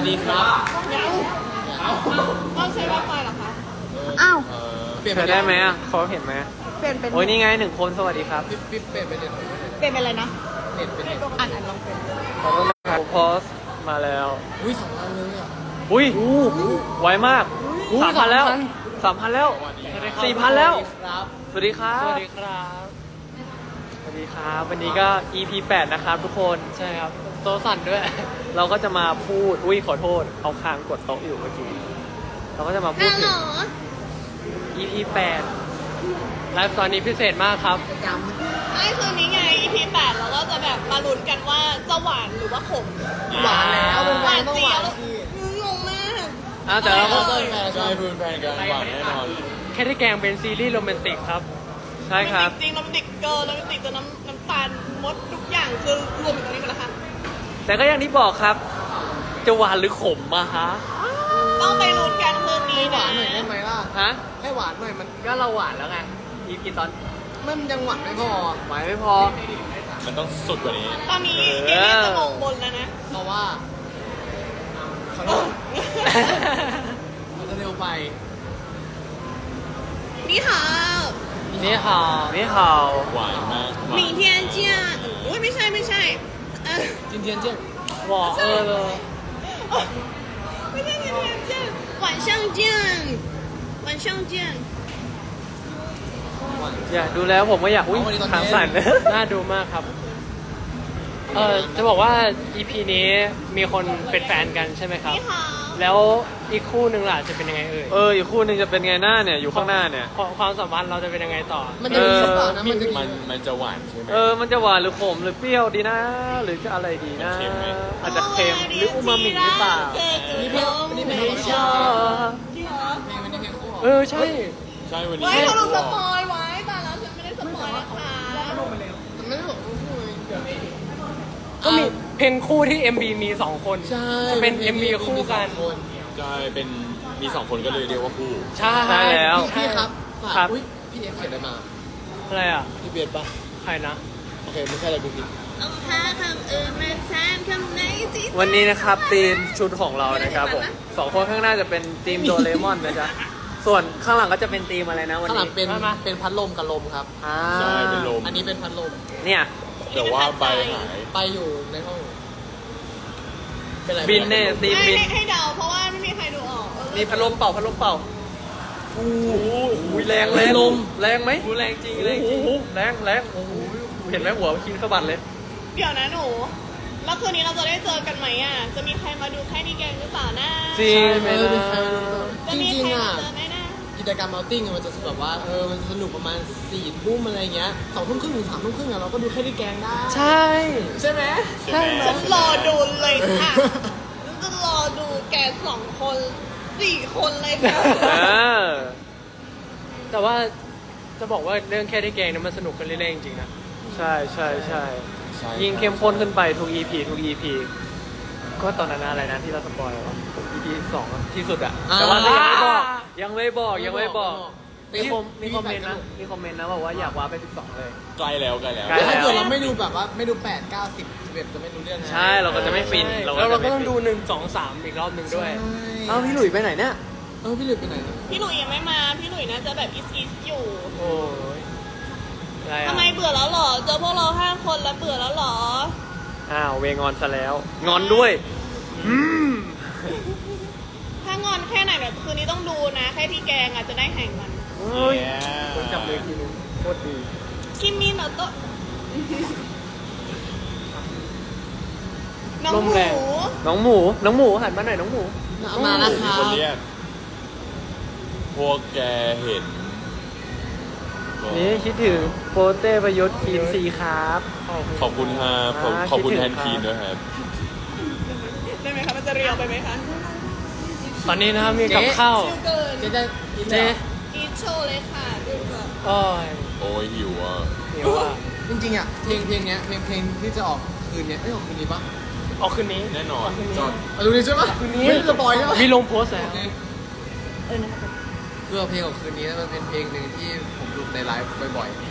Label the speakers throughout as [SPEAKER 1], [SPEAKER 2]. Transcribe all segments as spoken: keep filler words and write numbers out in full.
[SPEAKER 1] ดีครับ
[SPEAKER 2] ต้องใช้ว่าไปหรอคะ
[SPEAKER 3] อ้าว
[SPEAKER 1] เปลี่ยน
[SPEAKER 4] เธอได้ไหมอ่ะเขาเห็นไหม
[SPEAKER 3] เปลี่ยนเป็น
[SPEAKER 4] โอ้ยนี่ไงหนึ่งคนสวัสดีครับ
[SPEAKER 1] ปิ๊บปิ๊บเปลี่ยนเป็นเน็ต
[SPEAKER 3] เปลี่ยนเป็นอะไรนะ
[SPEAKER 1] เน็ตเป็นเน็ต
[SPEAKER 3] อ่านอ่านลองเป็น
[SPEAKER 4] ขอโทษนะครับโพสต์มาแล้ว
[SPEAKER 1] อุ้ยสองอันเลยอ่ะ
[SPEAKER 4] อุ้ยไวมากสามพันแล้วสามพันแล้วสี่พันแล้ว
[SPEAKER 1] ครับ
[SPEAKER 4] สวัสดีครับ
[SPEAKER 1] สวัสดีครับ
[SPEAKER 4] สวัสดีครับ วันนี้ก็ อี พี แปดนะครับทุกคน
[SPEAKER 1] ใช่ครับโต๊ะสั่นด้วย
[SPEAKER 4] เราก็จะมาพูด อุ้ยขอโทษ เอาคางกดโต๊ะอยู่เมื่อกี้ เราก็จะมาพูดถึง อี พี แปด
[SPEAKER 1] ไลฟ์ตอนนี้พิเศษมากครับ
[SPEAKER 2] ไอ้คืนนี้ไง อี พี แปดเราก็จะแบบมาลุ้นกันว่าจะหวานหรือว่าขม
[SPEAKER 1] หวานแล้วเป็น
[SPEAKER 2] หวาน
[SPEAKER 1] ต้อง
[SPEAKER 2] เจี๊
[SPEAKER 1] ห
[SPEAKER 2] ยว
[SPEAKER 1] านสิ
[SPEAKER 2] งงมาก
[SPEAKER 1] อ่ะแต่เราก็
[SPEAKER 2] ใช่
[SPEAKER 1] ใช่เพื่อนแฟนกันหวานแน่นอน
[SPEAKER 4] แค่ที่แกงเป็นซีรีส์โรแมนติกครับ ใช่ครับ
[SPEAKER 2] จริงๆเราเป็นเด็กเกิร์ลเราเป็นเด็กจนน้ำน้ำตาลมดทุกอย่างคือรวมอยู่ตรงนี้หมดแล้วค่ะ
[SPEAKER 4] แต่ก็อย่างที่บอกครับ จะหวานหรือขมมาฮะ
[SPEAKER 2] ต้องไปลุ้นกันคืนนี้
[SPEAKER 1] ให้ห
[SPEAKER 2] นะ
[SPEAKER 1] วานหน่อยได้ไหมล่ะ
[SPEAKER 4] ฮะ
[SPEAKER 1] ให้หวานหน่อยมัน
[SPEAKER 4] ก็เราหวานแล้วไง อี พี ตอน
[SPEAKER 1] มันยังหวานไม่พอ
[SPEAKER 4] หวานไม่พอ
[SPEAKER 5] มันต้องสุดกว่านี้
[SPEAKER 2] ตอนนี้
[SPEAKER 4] เออ
[SPEAKER 2] เอเลี่ยนจะมองบนแล้วนะ
[SPEAKER 1] เพราะว่าขอโทษมันจะเร็วไป
[SPEAKER 2] นี่ค่ะ
[SPEAKER 4] นี่ฮาวนี่ฮาว
[SPEAKER 5] หวานมากหวาน
[SPEAKER 2] หมิงเทียนเจียนอุ้ยไม่ใช่ไม่ใช่เออ
[SPEAKER 1] จินเทียนเจี้ยน
[SPEAKER 4] บอกเออเลย
[SPEAKER 2] ไม่ใช่หมิงเทียนเจียน晚上见晚上见
[SPEAKER 4] อยากดูแล้วผมก็อยาก อุ้ยขางสั่น
[SPEAKER 1] น่าดูมากครับ เออจะบอกว่า อี พี นี้มีคนเป็นแฟนกันใช่ไหมครับ
[SPEAKER 2] นี่ค่ะ
[SPEAKER 1] แล้วอีกคู่หนึ่งล่ะจะเป็นยังไงเอ่ย
[SPEAKER 4] เออ อีกคู่หนึ่งจะเป็นไงหน้าเนี่ย อยู่ข้างหน้าเนี่ย
[SPEAKER 1] ความความสัมพันธ์เราจะเป็นยังไงต่อ
[SPEAKER 4] มันจะมีหรือเปล่านะ
[SPEAKER 1] มันจะ
[SPEAKER 5] มันมันจะหวานใช่ไหม
[SPEAKER 4] เออ มันจะหวานหรือขมหรือเปรี้ยวดีนะ หรือจะอะไรดีนะ
[SPEAKER 5] เค็มไหม
[SPEAKER 4] อาจจะเค็มหรืออูมามิหรือเปล่า
[SPEAKER 2] นี่เพลงนี่เพลง
[SPEAKER 4] ไม่ชอบ
[SPEAKER 2] จริงเหรอ
[SPEAKER 4] เออ ใช่
[SPEAKER 5] ใช่วันนี้
[SPEAKER 2] ไว้เขาดูสปอยไว้ตายแล้วฉันไม่ได้สปอยนะคะ
[SPEAKER 1] มันไม่ได้บอกคู่คู่เลย
[SPEAKER 4] ก็มีเพลงคู่ที่ เอ็ม บี มีสองคน
[SPEAKER 1] ใช่
[SPEAKER 4] จะเป็น เอ็ม บี คู่กัน
[SPEAKER 5] ใช่เป็นมีสองคนก็เลยเรียกว่าคู่
[SPEAKER 4] ใช่ใช่แล้ว
[SPEAKER 1] พี่ครับฝาก
[SPEAKER 4] ครับ
[SPEAKER 1] อุ้ยพี่เอฟเขียนอะไรมา
[SPEAKER 4] อะไรอ่ะ
[SPEAKER 1] พี่เบียดปะ
[SPEAKER 4] ใครนะ
[SPEAKER 1] โอเคไม่ใช่อะไรกูผิด
[SPEAKER 2] เอาหาคำอื่นมาแทนคำไหนที่
[SPEAKER 4] วันนี้นะครับทีมชุดของเรานะครับผมสองคนข้างหน้าจะเป็นทีมโดเรมอนนะจ๊ะ ส่วนข้างหลังก็จะเป็นทีมอะไรนะวัน
[SPEAKER 1] ข้างหลั
[SPEAKER 4] นี้
[SPEAKER 1] งเป็น
[SPEAKER 4] มามา
[SPEAKER 1] เป็นพัดลมกับลมครับ
[SPEAKER 4] อ่า
[SPEAKER 5] ใช่เป็นลม
[SPEAKER 1] อันนี้เป็นพัดลม
[SPEAKER 4] เนี่ย
[SPEAKER 5] แต่ว่าใบหาย
[SPEAKER 1] ไปอยู่ในห้อง เป็นไร
[SPEAKER 4] บินเนี่ยทีม
[SPEAKER 2] ให้
[SPEAKER 4] บิน
[SPEAKER 2] ให้ให้เดาเพราะว่าไม่มีใครดูออกเออ
[SPEAKER 4] นี่พัดลมเป่าพัดลมเป่าโอ้โหแรงแรงลมแรงไหมแรงจริงแรงจริงแรงแรงโอ้โหเห็นไหมหัวคิงสะบัดเลย
[SPEAKER 2] เดี๋ยวนะหนูแล้วคืนนี้เราจะได้เจอกันไหมอ่ะจะมีใครมาดูแค่ดีแกงหรือเปล่านะ
[SPEAKER 4] จริง
[SPEAKER 1] เออมีใครมาดู
[SPEAKER 2] จะ
[SPEAKER 1] จ
[SPEAKER 2] มี
[SPEAKER 1] ริง
[SPEAKER 2] ใคร
[SPEAKER 1] ๆอ่ะ
[SPEAKER 2] มาเจอไหมนะ
[SPEAKER 1] กิจกรรมเอาติ้งมันจะแบบว่าเออมันสนุกประมาณสี่ทุ่มอะไรเงี้ยสองทุ่มครึ่งถึงสามทุ่มครึ่งอะเราก็ดูแค่ที่แกงได้
[SPEAKER 4] ใช่
[SPEAKER 1] ใช่ไหม
[SPEAKER 5] ใช่ไหม
[SPEAKER 2] ฉันรอดูเลยค่ะฉันจะรอดูแกสองคนสี่คนเลยค่ะ
[SPEAKER 4] เออ
[SPEAKER 1] แต่ว่าจะบอกว่าเรื่องแค่ที่แกงเนี่ยมันสนุกกันเรื่อยๆจริงๆนะ
[SPEAKER 4] ใช่ใช่ใช่
[SPEAKER 5] ใช่
[SPEAKER 4] ยิ่งเข้มข้นขึ้นไปทุก อี พี ทุก อี พี ก็ตอนนั้นอะไรนะที่เราสปอยล์วะ อี พี สองอะที่สุดอะ
[SPEAKER 1] อ่า
[SPEAKER 4] แต่ว่าก็ยังไม่บอกยังไม่บอกยังไม่บอก
[SPEAKER 1] ไม่
[SPEAKER 4] มี
[SPEAKER 1] บอก
[SPEAKER 4] คอมมีคอมเมนต์นะมีคอมเมนต์นะบอกว่าอยากว้าไปสิบสองเลย
[SPEAKER 5] ใกล้แล้วใกล้แล้ว
[SPEAKER 4] ใกล้
[SPEAKER 1] แต่ถ้าเกิดเราไม่ดูแบบว่าไม่ดูแปดเก้าสิบสิบเอ็ดจะไม่รู้เรื่องนะ
[SPEAKER 4] ใช่เราก็จะไม่ฟิน
[SPEAKER 1] แล้ว
[SPEAKER 4] จะ
[SPEAKER 1] เรา
[SPEAKER 4] ไม่
[SPEAKER 1] ก็ต้อง
[SPEAKER 4] ฟิน
[SPEAKER 1] ดูหนึ่งสองสามอีกรอบหนึ่งด้วย
[SPEAKER 4] เอ้าพี่หลุยไปไหนเนี่ย
[SPEAKER 1] เออพี่หลุยไปไหนนะ
[SPEAKER 2] พี่หลุยยังไม่มาพี่หลุยน่าจะแบบอิสอิสอยู่
[SPEAKER 1] โอ้ยอะไรอ่ะ
[SPEAKER 2] ทำไมเบื่อแล้วเหรอเจอพวกเราห้าคนแล้วเบื่อแล้วเหรอ
[SPEAKER 4] อ้าวเวงอนซะแล้ว งอนด้วยอืม
[SPEAKER 2] ถ้างอนแค่ไหนแบบคืนนี้ต้องดูนะแค่ที่แกงอ่ะจะได้แห่งมัน
[SPEAKER 4] เฮ้ย
[SPEAKER 5] เนี่ย
[SPEAKER 4] คนจับเลยทีนึงโคตรดี
[SPEAKER 2] คิมมินโนโตะน้อง
[SPEAKER 4] ล
[SPEAKER 2] ห
[SPEAKER 4] ม
[SPEAKER 2] มู
[SPEAKER 4] แรง น้องหมูน้องหมูหันมาหน่อยน้องหมู
[SPEAKER 1] มาแล้วค
[SPEAKER 5] มี
[SPEAKER 1] รับ
[SPEAKER 5] คนเรียก พวกแกเห็นก็
[SPEAKER 4] นี่คิดถึงโปเต้ประยุทธ์ทีมซีครับ
[SPEAKER 5] ขอบคุณครับขอบ
[SPEAKER 4] อ่า
[SPEAKER 5] ขอบคุณ
[SPEAKER 4] คิด
[SPEAKER 5] แท
[SPEAKER 4] ถึ
[SPEAKER 5] น
[SPEAKER 4] ง
[SPEAKER 5] ทีม
[SPEAKER 4] ครับ
[SPEAKER 5] ด้วยครับ
[SPEAKER 2] ได้ไหมคะมันจะเรียวไปไหมคะ
[SPEAKER 1] ตอนนี้นะครับมีกับข้าว
[SPEAKER 2] ชิวเกิน
[SPEAKER 1] เจ๊จะกิน
[SPEAKER 4] เจ๊
[SPEAKER 2] อีทโชว์เลยค่ะดูแบบ
[SPEAKER 1] โอ้ย
[SPEAKER 5] โอ้ยหิวอ่ะ
[SPEAKER 1] เดี๋ยวอ่ะจริงๆอ่ะเพลงเพลงเนี้ยเพลงเพลงที่จะออกคืนเนี้ยไม่ออกคืนนี้ปะออกคืนนี้
[SPEAKER 5] แน่นอน
[SPEAKER 1] จอดเอาดูดิใช่ปะคืนนี้ไม่ได้สปอยใช่ปะมีลงโพสต์แล้ว
[SPEAKER 2] เออนะคะ
[SPEAKER 1] เพื่อเพลงของคืนนี้มันเป็นเพลงหนึ่งที่ผมดูในไลฟ์บ่อยๆ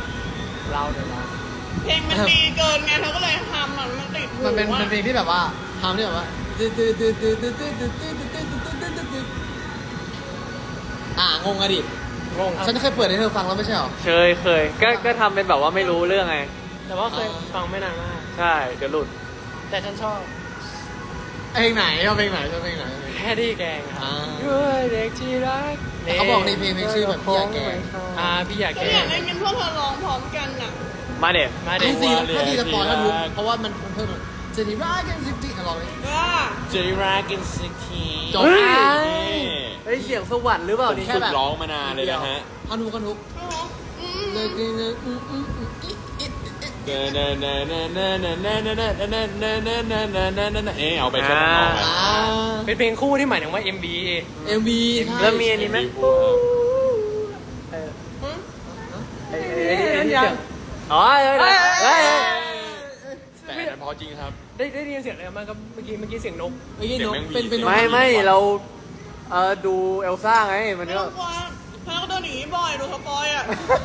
[SPEAKER 1] เล่าเดี๋ยวเล่า
[SPEAKER 2] เพลงมันดีเกินไงเธอก็เลยทำมันมันติดหู
[SPEAKER 1] มันเป็น
[SPEAKER 2] อะ
[SPEAKER 1] มันเพลงที่แบบว่า
[SPEAKER 3] ทำเนี่ยว่าตึ๊ดตึ๊ดตึ๊ดตึ๊ดตึ๊ดตึ๊ดตึ๊ดตึ๊ดตึ๊ดตึ๊ดตึ๊ดตึ๊ดตึ๊ดอ่างงอะดิ
[SPEAKER 1] งงครับ
[SPEAKER 3] ฉันเคยเปิดให้เธอฟังแล้วไม่ใช่หรอ
[SPEAKER 4] เคยเคยก็ก็ทำเป็นแบบว่าไม่รู้เรื่องไง
[SPEAKER 1] แต่ว่าเคยฟังไม่นานมาก
[SPEAKER 4] ใช่เดี๋ยวหลุด
[SPEAKER 1] แต่ฉันชอบ
[SPEAKER 3] เพลงไหนชอบเพลงไหนชอบเพลงไหน
[SPEAKER 1] แค่ดีแกงครับ
[SPEAKER 3] อ่า
[SPEAKER 1] ด้วยเด็กที่รัก
[SPEAKER 3] แต่เขาบอกในเพลงเพลงชื่อแบบพี่อยากแกง
[SPEAKER 1] อ่าพี่อยาก
[SPEAKER 2] ก็
[SPEAKER 1] แก
[SPEAKER 2] อยาง กได้ยินพวกเธอร้องพร้อมกันน่ะ
[SPEAKER 4] มาเด็ด
[SPEAKER 1] มา
[SPEAKER 3] ไอ
[SPEAKER 1] เด็ก
[SPEAKER 3] ซีถ้าซีสปอยล์ถ้ารู้เพราะว่ามันเพิ่มเจนี่รักกันสิจิลองเลย
[SPEAKER 2] ว่า
[SPEAKER 5] เจรักกันสักที
[SPEAKER 3] จบ
[SPEAKER 4] เฮ้ย
[SPEAKER 3] อ่ะ
[SPEAKER 4] เฮ้ยเสียงสวรรค์หรือเปล่า
[SPEAKER 5] ผม
[SPEAKER 4] นี่
[SPEAKER 5] ฝึกร้องมานานเลยนะฮะ
[SPEAKER 3] ฮานุกันทุก
[SPEAKER 2] อืม
[SPEAKER 3] เลยกินเลยอืมอืมอืมอิอิอิ
[SPEAKER 5] เนเนเนเนเนเนเนเนเนเนเนเนเนเนเนเนเอ๊ะเอาไปแค่ทำนอง
[SPEAKER 3] อ่า
[SPEAKER 1] เป็นเพลงคู่ที่หมายถึงว่า เอ็ม บี
[SPEAKER 3] เอ็มวีใช่
[SPEAKER 4] แล้วมีอันนี้ไหม
[SPEAKER 1] เออ
[SPEAKER 2] อืม
[SPEAKER 4] ไอ้ไอ้ไอ้ไอ้ที่เสียงอ๋อเฮ้ยเฮ้ย
[SPEAKER 5] แต่อันนั้นพอจริงครับ
[SPEAKER 1] ได้ได้ยินเสียงอะไรมาครับเมื่อกี้เมื่อกี้เสียงนก
[SPEAKER 3] เมื่อกี้
[SPEAKER 5] เสียง
[SPEAKER 3] นก
[SPEAKER 5] แมงวี
[SPEAKER 3] เป็นเป็นนก
[SPEAKER 4] ไม่ไม่เราเออดูเอลซ่าไงมัน
[SPEAKER 2] ไม่
[SPEAKER 4] ก็
[SPEAKER 2] ต้องกลัวเพราะเขาโดนหนีบ่อยดูสปอยอ่ะ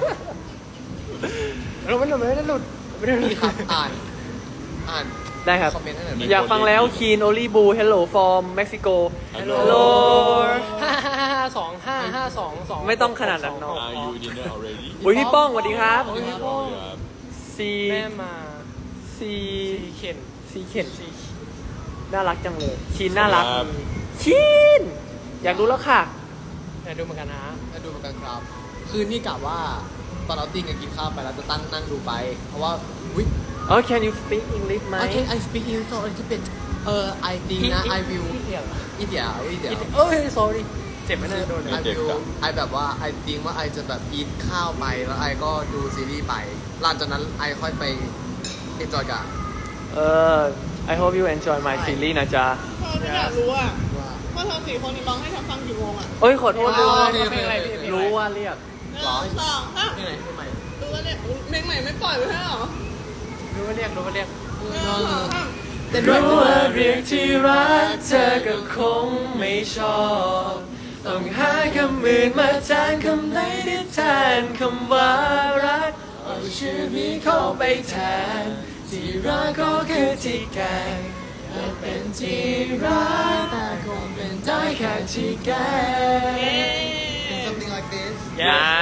[SPEAKER 1] เราไม่หลุดไม่ได้หลุดไม่ได้หลุด
[SPEAKER 3] นี่ครับอ่านอ่าน
[SPEAKER 4] ได้ครับ
[SPEAKER 3] คอมเมนต์ให้หน่อย
[SPEAKER 5] มี
[SPEAKER 4] อยากฟังแล้วคีนโอลีบูเฮลโลฟอร์มเม็กซิโก
[SPEAKER 5] Hello
[SPEAKER 4] Hello
[SPEAKER 1] ห้าห้าห้าสองห้าห้าสองสอง
[SPEAKER 4] ไม่ต้องขนาดนั้นเนอะ
[SPEAKER 5] Are you dinner already
[SPEAKER 4] อุ้ยพี่ป้องสวัสดีครับ
[SPEAKER 1] โอ้ยพี่ป้อง
[SPEAKER 5] ครับ
[SPEAKER 4] ซี
[SPEAKER 1] แม่มา
[SPEAKER 4] ซี
[SPEAKER 1] ซีเข็น
[SPEAKER 4] ซีเข็นน่ารักจังเลยคีนน่ารัก
[SPEAKER 5] ครับ
[SPEAKER 4] คีนอยากรู้แล้วค่ะ
[SPEAKER 1] อยากดูเหมือนกันนะ
[SPEAKER 3] มาดูเหมือนกันครับ คือนี่กะว่าตอนเราติ้งกันกินข้าวไปแล้วจะตั้งนั่งดูไป เพราะว่าวิ
[SPEAKER 4] อ๋อ can you speak English ไหม
[SPEAKER 3] I can I speak in so a little bit เออ I think นะ I will
[SPEAKER 1] อีเดียว
[SPEAKER 3] อีเดียวอีเดียว
[SPEAKER 1] เอ้ย sorry เจ็บไหมเนี่ยโดน
[SPEAKER 3] I will I แบบว่า I think ว่า I จะแบบกินข้าวไปแล้ว I ก็ดูซีรีส์ไปหลังจากนั้น I ค่อยไป enjoy กัน
[SPEAKER 4] เออ I hope you enjoy my series นะจ๊ะ
[SPEAKER 2] เธอไม่อยากรู้อ่ะ
[SPEAKER 3] ว่า
[SPEAKER 2] ว่าเธอสี่คนนี้ร้องให้ฉันฟังกี่โมงอ่ะ
[SPEAKER 4] เอ้ย ขอโทษ
[SPEAKER 3] อ๋
[SPEAKER 4] ด้
[SPEAKER 3] อ
[SPEAKER 4] วย
[SPEAKER 3] โอเคโอเค
[SPEAKER 1] เพลงอะไรพี่เพลงอะไร
[SPEAKER 4] รู้ว่าเรียก
[SPEAKER 2] หนึ่ง
[SPEAKER 3] หรอ
[SPEAKER 2] สองห้า
[SPEAKER 3] ที่ไหนที่ใหม่
[SPEAKER 2] ดูว่าเนี่ยเพลงใหม่ไม่ปล่อยไว้ให้หรอ
[SPEAKER 1] รู้ว่าเรียกรู้ว่าเรียก
[SPEAKER 2] หนึ่งสองห้า
[SPEAKER 3] แต่ด้วย
[SPEAKER 4] รู้ว่าเรียกที่รักเธอก็คงไม่ชอบ ต้องหาคำอื่นมาแทนคำไหนที่แทนคำว่ารักเอาชื่อนี้เข้าไปแทน ที่รักก็คือที่แกและเป็นที่รักแต่คงเป็นได้แค่ที่แก
[SPEAKER 2] เย้
[SPEAKER 3] something like this
[SPEAKER 4] อย่า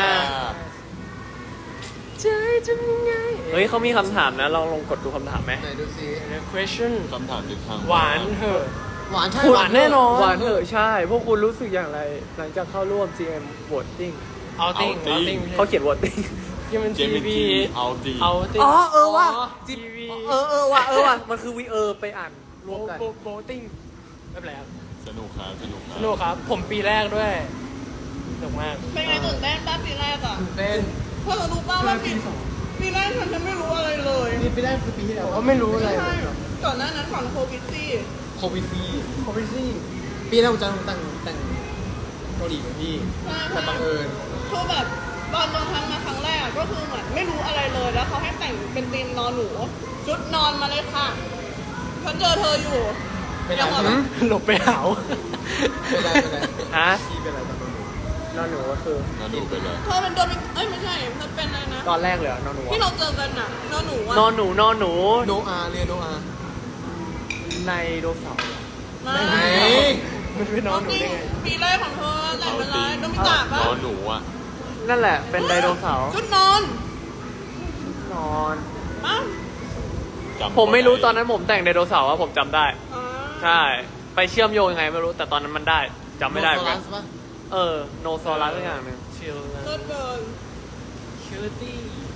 [SPEAKER 4] ใจจะยังไงเฮ้ยเขามีคำถามนะ ลองลองกดดูคำถามไหม
[SPEAKER 3] ไหนดูซิ
[SPEAKER 1] question
[SPEAKER 5] คำถามจากทาง
[SPEAKER 1] หวานเถอะ
[SPEAKER 3] หวานใช่
[SPEAKER 1] หวานแน่นอน
[SPEAKER 4] หวานเถอะใช่ พวกคุณรู้สึกอย่างไร หลังจากเข้าร่วม จี เอ็ม voting
[SPEAKER 1] เอาติ้งเอาติ้ง
[SPEAKER 4] เขาเขียน voting
[SPEAKER 1] ยังเป็น
[SPEAKER 5] เจ
[SPEAKER 1] ที
[SPEAKER 5] มิน
[SPEAKER 1] วี
[SPEAKER 5] จีเอาดี
[SPEAKER 1] เอาติ้ง
[SPEAKER 4] อ๋อเออว่ะ
[SPEAKER 1] ทีวี
[SPEAKER 4] เออเออว่ะเออว่ะมันคือวีเออไปอ่านรวมกัน
[SPEAKER 1] โบติ้งไม่เป็นไรครับ
[SPEAKER 5] สนุกครับสนุกครั
[SPEAKER 1] สนุกครับ ผมปีแรกด้วยสนุกมาก
[SPEAKER 2] เป็นไงตื่นเต้นป้าปีแรกอ่ะ
[SPEAKER 3] เป็น
[SPEAKER 2] เธอรู้ป่าว่าปีปีแรกฉันจะไม่รู้อะไรเลย
[SPEAKER 3] นี่ไปได้คือปีที่แล้ว
[SPEAKER 1] ผมก็ไม่รู้อะไร
[SPEAKER 2] ใช่ก่อนหน้านั้นก่อนโควิดซี่
[SPEAKER 3] โควิดซี
[SPEAKER 1] โควิดซี่
[SPEAKER 3] ปีแรกผมจะแต่งแต่งเกาหลีกับพี่
[SPEAKER 2] ใช่
[SPEAKER 3] แต่บังเอิญ
[SPEAKER 2] คือแบบตอนโดนทำมาครั้งแรกอะก็คือเหมือนไม่รู้อะไรเลยแล้วเขาให้แต่งเป็นธีมนอนหนูชุดนอนมาเลยค่ะฉันเจอเธออยู่
[SPEAKER 3] เป็น
[SPEAKER 2] ยัง
[SPEAKER 3] ไร
[SPEAKER 2] แบบ
[SPEAKER 1] หลบไปหาว
[SPEAKER 3] เป็นไรเป็นไร
[SPEAKER 4] ฮะ
[SPEAKER 3] พี่เป็นไรตอนนั้น
[SPEAKER 4] นอนหนูก็คือ
[SPEAKER 5] น่าดูไปเลย
[SPEAKER 2] เธอเป็นโดมิเอ้ยไม่ใช่เธอเป็นอะไรนะ
[SPEAKER 4] ตอนแรกเลยเหรอนอนหนู
[SPEAKER 2] ที่
[SPEAKER 4] อะ
[SPEAKER 2] เราเจอกันน่ะนอนหนูอะ
[SPEAKER 4] นอนหนูนอนหนู
[SPEAKER 3] โนอาเรียนโนอา
[SPEAKER 4] ในโดเสาร์
[SPEAKER 2] มา
[SPEAKER 3] ไหน
[SPEAKER 1] มันเป็นน้องหนูได้ไง
[SPEAKER 2] ปีแรกของเธอแต่งเป็นไรโดมิตะ
[SPEAKER 5] น
[SPEAKER 2] ปะ
[SPEAKER 5] อนหนูอ่ะ
[SPEAKER 4] นั่นแหละเป็นไดโนเสาร์
[SPEAKER 2] ชุดนอน
[SPEAKER 4] นอน
[SPEAKER 2] อ้าว
[SPEAKER 5] จำ
[SPEAKER 4] ผมไม่รู้ตอนนั้นผมแต่งไดโนเสาร์อะผมจำได้
[SPEAKER 2] อ่า
[SPEAKER 4] ใช่ ไปเชื่อมโยงยังไงไม่รู้แต่ตอนนั้นมันได้จำไม่ได้เหมือนกัน
[SPEAKER 3] โนโซลัสปะ
[SPEAKER 4] เออโนซอรัสสักอย่างหนึ่ง
[SPEAKER 1] ชิลนะ
[SPEAKER 2] เลิศเกิน
[SPEAKER 1] คิวตี้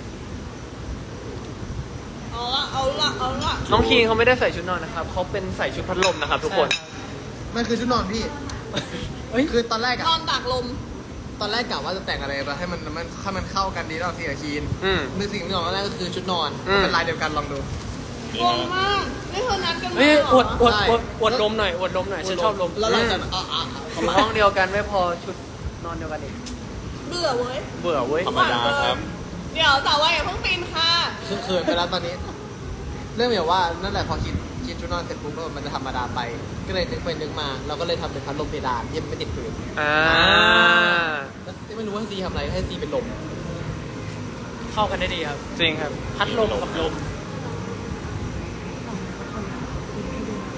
[SPEAKER 2] เอาละเอาละเอาละ
[SPEAKER 4] น้องคีนเขาไม่ได้ใส่ชุดนอนนะครับเขาเป็นใส่ชุดพัดลมนะครับทุกคน
[SPEAKER 3] มันคือชุดนอนพี่
[SPEAKER 1] เฮ้ย
[SPEAKER 3] คือตอนแรก
[SPEAKER 2] น
[SPEAKER 3] อะ
[SPEAKER 2] อนตากลม
[SPEAKER 3] ตอนแรกกะว่าจะแต่งอะไรไปให้มันมันให้มันเข้ากันดีแล้วสีกับคีน
[SPEAKER 4] อืม
[SPEAKER 3] นึกสิ่งที่ออกมาแรกก็คือชุดนอน
[SPEAKER 4] อืม
[SPEAKER 3] เป็นลายเดียวกันลองดู
[SPEAKER 5] นี่
[SPEAKER 2] งง
[SPEAKER 5] นะ
[SPEAKER 2] มากนี่เธอนัดกันมา
[SPEAKER 1] เฮ้ย
[SPEAKER 2] เหร
[SPEAKER 1] อวดอวด
[SPEAKER 3] ใช่
[SPEAKER 1] อวดอวดลมหน่อยอวดลมหน่อยฉันชอบลม
[SPEAKER 3] แล้วหลังจากนั้นอ่ะอ่ะ
[SPEAKER 4] อยู่ห้องเดียวกันไม่พอชุดนอนเดียวกันอีก
[SPEAKER 2] เบื่อเว้ย
[SPEAKER 4] เบื่อเว้ย
[SPEAKER 5] ธรรมดาครับ
[SPEAKER 2] เดี๋ยวสาววัยอย่าเพิ่งปีนค่ะ
[SPEAKER 3] คือเขินไปแล้วตอนนี้ เรื่องแบบว่านั่นแหละพอคิดคิดชุดนอนเสร็จปุ๊บแล้วมันจะธรรมดาไป ก็เลยนึกไปนึกมา เราก็เลยทำเป็นพัดลมเพดานที่มันไม่ติดพื้น
[SPEAKER 4] อ่า
[SPEAKER 3] แล้วไม่รู้ว่าให้ซีทำอะไรให้ซีเป็นลม
[SPEAKER 1] เข้ากันได้ดีครับ
[SPEAKER 4] จริงครับ
[SPEAKER 1] พัดลมกับลม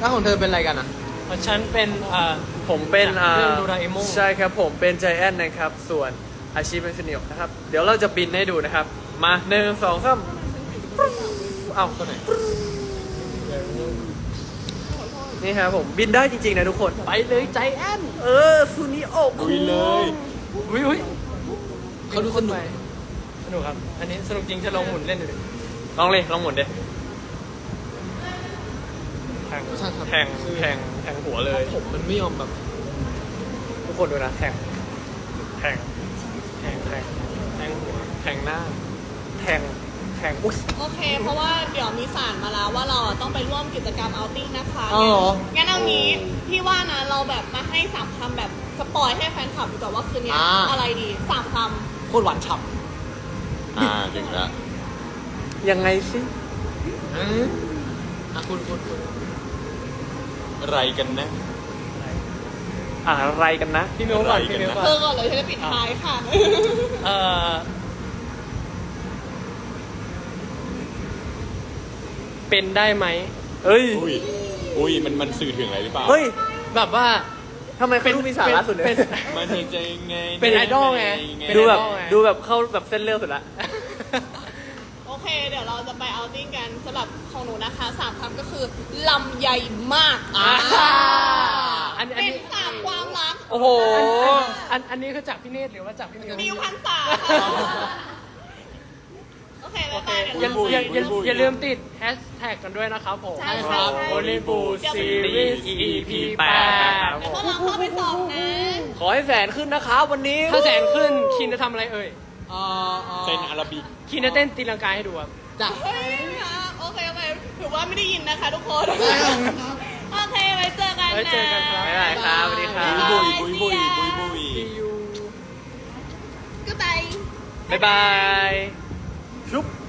[SPEAKER 3] ถ้าของเธอเป็นอะไรกันอ่ะ
[SPEAKER 1] ฉันเป็นอ่า
[SPEAKER 4] ผมเป็นอ่า
[SPEAKER 1] เรื่องโดราเอมอน
[SPEAKER 4] ใช่ครับผมเป็นใจแอนนะครับ ส่วนอาชีพเป็นฟินิลนะครับ เดี๋ยวเราจะบินให้ดูนะครับ มาหนึ่งสองสามเอ้าตัวไหนนี่ครับผมบินได้จริงๆนะทุกคน
[SPEAKER 1] ไปเลยใจแอน
[SPEAKER 4] เออซูนิโอ
[SPEAKER 5] ลุยเลย
[SPEAKER 1] อุ้ยอุ้ย
[SPEAKER 3] เขาดูสนุก
[SPEAKER 1] สนุกครับ อันนี้สนุกจริงจะลองหมุนเล่นดูดิ
[SPEAKER 4] ลองเลยลองหมุนดิ
[SPEAKER 1] แทง
[SPEAKER 3] ใช่ครับ
[SPEAKER 4] แทงแทงแทงหัวเลย
[SPEAKER 3] ผมมันไม่ยอมแบบ
[SPEAKER 4] ทุกคนดูนะแทงแทง
[SPEAKER 1] แทงแทงแทงหัว
[SPEAKER 4] แทงหน้า แทงแทงอุ้ย
[SPEAKER 2] โอเค เพราะว่าเดี๋ยวมีสารมาแล้วว่าเราอะต้องไปร่วมกิจกรรมเอาติ้งนะคะ
[SPEAKER 3] อ๋อเหรอ
[SPEAKER 2] งั้นเอางี้พี่ว่านะเราแบบมาให้สามคำแบบสปอยให้แฟนคลับดูก่อนว่าคืนนี้
[SPEAKER 3] อ่า
[SPEAKER 2] อะไรดีสามค
[SPEAKER 3] โคตรหวานฉ่
[SPEAKER 5] อ่าถึงแล้ว
[SPEAKER 4] ยังไงสิ
[SPEAKER 3] ำอืมอ่ะคุณคุณคุณ
[SPEAKER 5] อะไรกันนะ
[SPEAKER 4] อะไรกันนะ
[SPEAKER 1] พี่มิวก่อนพี่มิวก่
[SPEAKER 2] ำ
[SPEAKER 1] อน
[SPEAKER 2] เธอก่อนเลยฉันจะปิดท้ายค่ะ
[SPEAKER 1] เอ่อเป็นได้ไหม
[SPEAKER 4] เฮ้ย
[SPEAKER 5] อุ้ย อุ้ย มันมันสื่อถึงอะไรหรือเปล่า
[SPEAKER 4] เฮ้ย
[SPEAKER 1] แบบว่า
[SPEAKER 4] ทำไมเขาดูมีสาระสุดเลย
[SPEAKER 1] เป็น
[SPEAKER 5] มันจะยังไง
[SPEAKER 1] เป็นไอดอลไง
[SPEAKER 4] ดูแบบ
[SPEAKER 1] เป็นไอดอลไง
[SPEAKER 4] ดูแบบเข้าแบบเส้นเลือดสุดละ
[SPEAKER 2] โอเค เดี๋ยวเราจะไปเอาติ้งกันสำหรับของหนูนะคะสามคำก็คือลำใหญ่มาก
[SPEAKER 1] อ่า
[SPEAKER 2] อ่า
[SPEAKER 1] อันนี้อัน
[SPEAKER 2] เป็
[SPEAKER 1] นี้
[SPEAKER 2] นสามความรัก
[SPEAKER 4] โอ้โห
[SPEAKER 1] อันอันอันนี้คือจากพี่เนตรหรือว่าจากพี่มิว
[SPEAKER 2] มิวพันษาค่ะโอเค
[SPEAKER 1] โอ
[SPEAKER 2] บ๊าย
[SPEAKER 1] เค
[SPEAKER 2] บายเดี๋ยว
[SPEAKER 1] อย่า
[SPEAKER 2] เรา
[SPEAKER 1] อย่าอย่าอย่าลืมติดแฮชแท็กกันด้วยนะครับผม
[SPEAKER 2] ใช่ใช่ใช่
[SPEAKER 1] โอลิบูซีรีส์ อี พี แปด
[SPEAKER 2] เดี๋ยวพวกเราเข้าไปสอบนะ
[SPEAKER 4] ขอให้แสนขึ้นนะครับวันนี้
[SPEAKER 1] ถ้าแสนขึ้นคินจะทำอะไรเอ่ย
[SPEAKER 3] เอ่ออ่อ
[SPEAKER 5] เป็นอาราบิก
[SPEAKER 1] คินจะเต้นตีลังกาให้ดูครับ
[SPEAKER 3] จ้ะ
[SPEAKER 2] เฮ้ยค่ะโอเคโอเคถือว่าไม่ได้ยินนะคะทุกคน โอเค ไว้เจอกันนะ
[SPEAKER 1] ไว้เจอกันครับ
[SPEAKER 4] บ๊ายบายครับสวัสดีครับ
[SPEAKER 5] บุยบุยบุยบุยบุย
[SPEAKER 1] See you
[SPEAKER 2] ก็ไป
[SPEAKER 4] บ๊ายบายชุบ